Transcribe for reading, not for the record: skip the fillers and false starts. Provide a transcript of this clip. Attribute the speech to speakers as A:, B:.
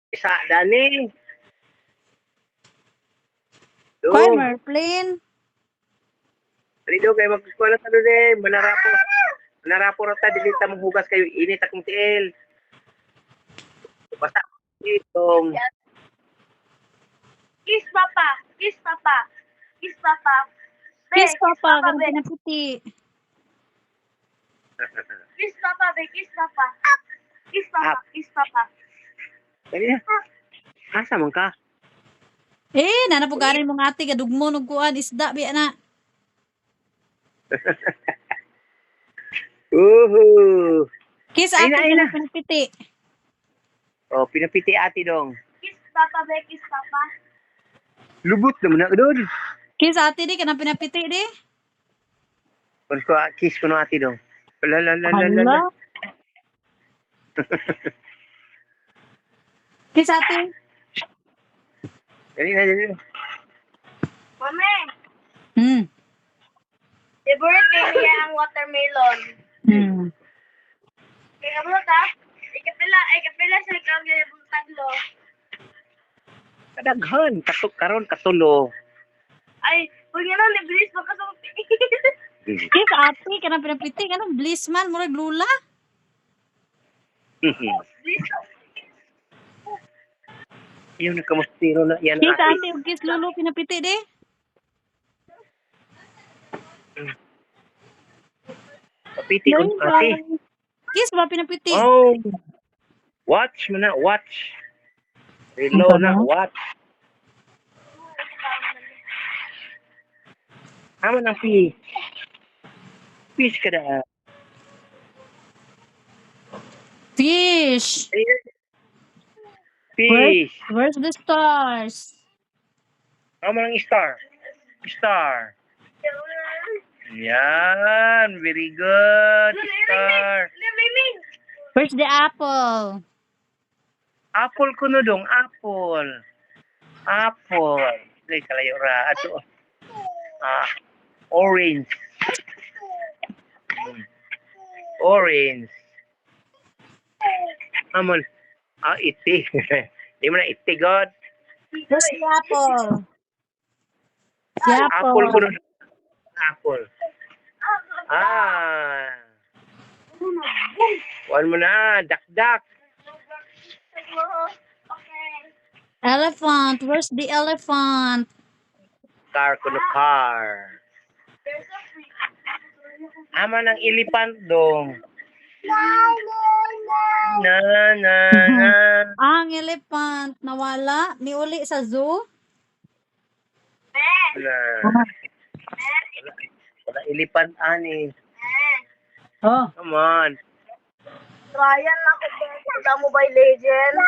A: Isa, Dani.
B: Kuan,
A: Dong.
B: Merplin.
A: Rido kayo mag-eskwela sa doon Manarapo. Manarapo rata, dilita mong hugas kayo. Init akong tiil. Basta itong.
C: Kiss papa. Kiss papa. Kiss papa. Be,
B: Kiss papa, ganun
C: be.
B: pinaputi.
C: Kiss papa, be. Kiss papa. Kiss papa. Kiss papa.
A: Dali na. Asa man ka?
B: Nanapugarin mo nga ati, kadugmo, nugkuan, isda, biya na.
A: Uhu.
B: Kiss
A: Ay
B: ati,
A: na, ay na.
B: ganun pinapiti.
A: Oh, pinapiti ati dong.
C: Kiss papa, be. Kiss papa.
A: Lubot naman na doon.
B: Kiss ati di, ganun pinapiti di.
A: Kung ko kiss ko na ati dong. Lalalala.
B: Hala. Kiss ati.
A: Dali na.
C: Mami,
B: Hmm.
C: favorite niya ang watermelon.
B: Hmm.
C: Kaya mo ta? Ikapila sa ikaw yung taglo.
A: Kadaghan. Karon katulo.
C: Ay, kung yan ang libris, baka sa
B: Kiss ati, ganun pinapiti, ganun bliss man, murag lula.
A: Yung nakamustiro na yan
B: Kiss
A: ati.
B: ati, ug kiss lulu, pinapiti di.
A: Kapiti ko ati.
B: Kiss ba pinapiti?
A: Oh. Watch mo na, watch. Reload na, watch. Ama ng fish. Fish ka na.
B: Fish.
A: Fish.
B: Where's the stars?
A: Ama ng star. Star. Yan. Very good. Star.
B: Where's the apple?
A: Apple ko no dong. Apple. Apple. Ay, kalayo ra. Ato. Orange. Orange. Amon. Iti. Di mo na iti, God.
B: Where's the apple? The
A: Apple ko
B: apple.
A: no. Apple. One mo na. Dak-dak.
B: Elephant. Where's the elephant?
A: Car ko no car. Ama ng elephant dong. Na.
B: Ang elephant nawala. Miuli sa zoo.
A: Wala elephant ani.
B: Oh.
A: Come on.
C: Ryan, ako ba? Mobile Legends.